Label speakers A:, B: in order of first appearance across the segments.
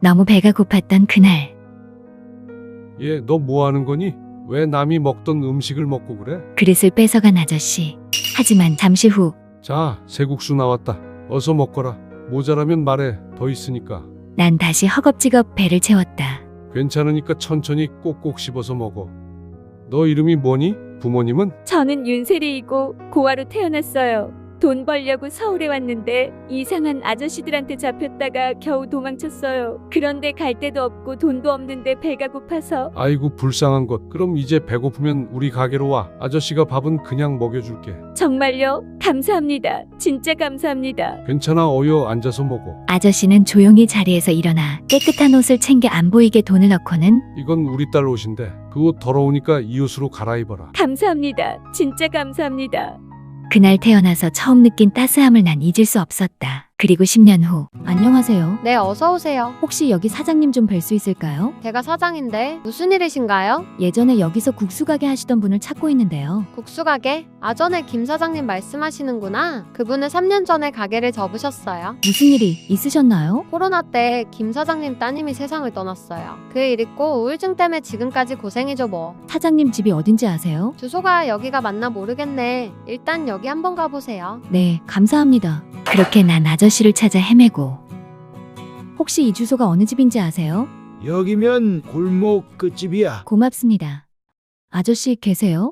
A: 너무 배가 고팠던 그날.
B: 얘, 너 뭐 하는 거니? 왜 남이 먹던 음식을 먹고 그래?
A: 그릇을 뺏어간 아저씨. 하지만 잠시 후
B: 자, 새국수 나왔다. 어서 먹거라. 모자라면 말해. 더 있으니까.
A: 난 다시 허겁지겁 배를 채웠다.
B: 괜찮으니까 천천히 꼭꼭 씹어서 먹어. 너 이름이 뭐니? 부모님은?
C: 저는 윤세리이고 고아로 태어났어요. 돈 벌려고 서울에 왔는데 이상한 아저씨들한테 잡혔다가 겨우 도망쳤어요. 그런데 갈 데도 없고 돈도 없는데 배가 고파서.
B: 아이고 불쌍한 것. 그럼 이제 배고프면 우리 가게로 와. 아저씨가 밥은 그냥 먹여줄게.
C: 정말요? 감사합니다. 진짜 감사합니다.
B: 괜찮아, 어여 앉아서 먹어.
A: 아저씨는 조용히 자리에서 일어나 깨끗한 옷을 챙겨 안 보이게 돈을 넣고는
B: 이건 우리 딸 옷인데 그 옷 더러우니까 이 옷으로 갈아입어라.
C: 감사합니다. 진짜 감사합니다.
A: 그날 태어나서 처음 느낀 따스함을 난 잊을 수 없었다. 그리고 10년 후. 안녕하세요.
D: 네, 어서 오세요.
A: 혹시 여기 사장님 좀 뵐 수 있을까요?
D: 제가 사장인데 무슨 일이신가요?
A: 예전에 여기서 국수 가게 하시던 분을 찾고 있는데요.
D: 국수 가게? 전에 김 사장님 말씀하시는구나. 그분은 3년 전에 가게를 접으셨어요.
A: 무슨 일이 있으셨나요?
D: 코로나 때 김 사장님 따님이 세상을 떠났어요. 그 일 있고 우울증 때문에 지금까지 고생이죠 뭐.
A: 사장님 집이 어딘지 아세요?
D: 주소가 여기가 맞나 모르겠네. 일단 여기 한번 가보세요.
A: 네, 감사합니다. 그렇게 난 아저씨를 찾아 헤매고. 혹시 이 주소가 어느 집인지 아세요?
E: 여기면 골목 끝집이야.
A: 고맙습니다. 아저씨 계세요?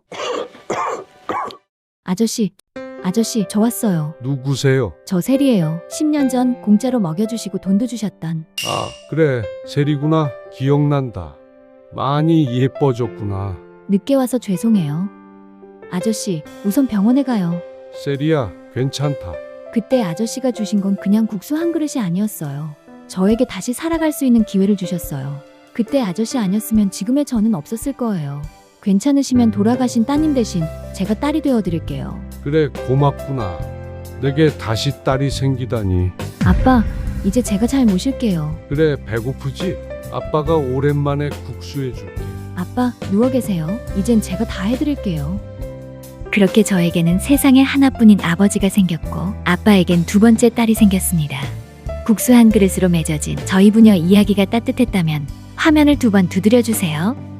A: 아저씨, 저 왔어요.
B: 누구세요?
A: 저 세리예요. 10년 전 공짜로 먹여주시고 돈도 주셨던.
B: 아, 그래. 세리구나. 기억난다. 많이 예뻐졌구나.
A: 늦게 와서 죄송해요. 아저씨, 우선 병원에 가요.
B: 세리야, 괜찮다.
A: 그때 아저씨가 주신 건 그냥 국수 한 그릇이 아니었어요. 저에게 다시 살아갈 수 있는 기회를 주셨어요. 그때 아저씨 아니었으면 지금의 저는 없었을 거예요. 괜찮으시면 돌아가신 따님 대신 제가 딸이 되어드릴게요.
B: 그래, 고맙구나. 내게 다시 딸이 생기다니.
A: 아빠, 이제 제가 잘 모실게요.
B: 그래, 배고프지? 아빠가 오랜만에 국수 해줄게.
A: 아빠, 누워 계세요. 이젠 제가 다 해드릴게요. 그렇게 저에게는 세상에 하나뿐인 아버지가 생겼고 아빠에겐 두 번째 딸이 생겼습니다. 국수 한 그릇으로 맺어진 저희 부녀 이야기가 따뜻했다면 화면을 두 번 두드려주세요.